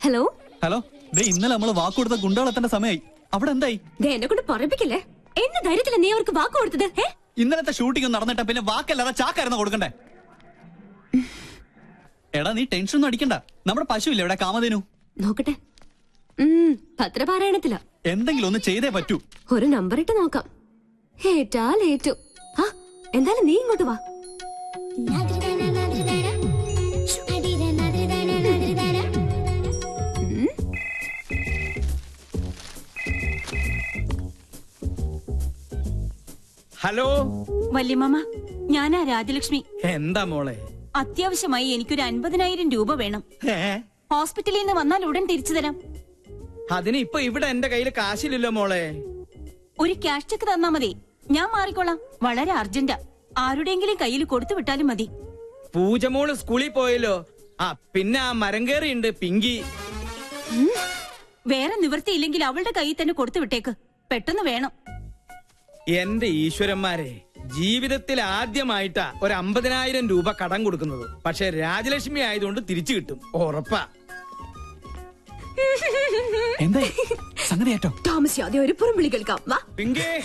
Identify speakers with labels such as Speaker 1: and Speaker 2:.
Speaker 1: Hello
Speaker 2: hello, ഇന്നലെ നമ്മള് വാക്ക് കൊടുത്ത ഗുണ്ടകളെത്തേണ്ട സമയമായി. അവിടെ എന്തായി?
Speaker 1: എന്നെ കൊണ്ട് പറപ്പിക്കില്ലേ? എന്ത് ധൈര്യത്തില നീ അവർക്ക് വാക്ക് കൊടുത്തത്?
Speaker 2: ഇന്നലത്തെ ഷൂട്ടിംഗ് നടന്നിട്ട പിന്നെ വാക്കല്ലാതെ ചാക്കായിരുന്നു കൊടുക്കണ്ടേ? എടാ, നീ ടെൻഷൻ ഒന്നും അടിക്കണ്ട. നമ്മുടെ പശുവില്ലേ ഇവിടെ, കാമധേനു?
Speaker 1: നോക്കട്ടെ. പത്രപാരായണത്തില.
Speaker 2: എന്തെങ്കിലും ഒന്ന് ചെയ്തേ പറ്റൂ.
Speaker 1: ഒരു നമ്പർ ഇട്ട് നോക്കാം. ഏറ്റാൽ ഏറ്റു. എന്തായാലും നീ ഇങ്ങോട്ട് വാ.
Speaker 3: ഹലോ
Speaker 4: വല്യമ്മ, ഞാനാ രാജലക്ഷ്മി.
Speaker 3: എന്താ മോളെ?
Speaker 4: അത്യാവശ്യമായി എനിക്കൊരു 50,000 രൂപ വേണം. ഹോസ്പിറ്റലിൽ നിന്ന് വന്നാൽ ഉടൻ തിരിച്ചു തരാം.
Speaker 3: അതിന് ഇപ്പൊ ഇവിടെ എന്റെ കയ്യിൽ കാശില്ലല്ലോ മോളെ.
Speaker 4: ഒരു ക്യാഷ് ചെക്ക് തന്നാ മതി, ഞാൻ മാറിക്കോളാം. വളരെ അർജന്റാ. ആരുടെയെങ്കിലും കയ്യിൽ കൊടുത്തു വിട്ടാലും മതി.
Speaker 3: പൂജമോള് സ്കൂളിൽ പോയല്ലോ. പിന്നെ ആ മരം കയറിയുണ്ട് പിങ്കി.
Speaker 4: വേറെ നിവൃത്തിയില്ലെങ്കിൽ അവളുടെ കയ്യിൽ തന്നെ കൊടുത്തു വിട്ടേക്ക്. പെട്ടെന്ന് വേണം.
Speaker 3: എന്റെ ഈശ്വരന്മാരെ, ജീവിതത്തിൽ ആദ്യമായിട്ടാ ഒരു 50,000 രൂപ കടം കൊടുക്കുന്നത്. പക്ഷെ രാജലക്ഷ്മി ആയതുകൊണ്ട് തിരിച്ചു കിട്ടും, ഉറപ്പാ.
Speaker 2: എന്താ സംഗതി? ഏറ്റവും
Speaker 1: താമസിയാതെ ഒരു പുറംവിളി കേൾക്കാം. വാ
Speaker 3: പിങ്കി.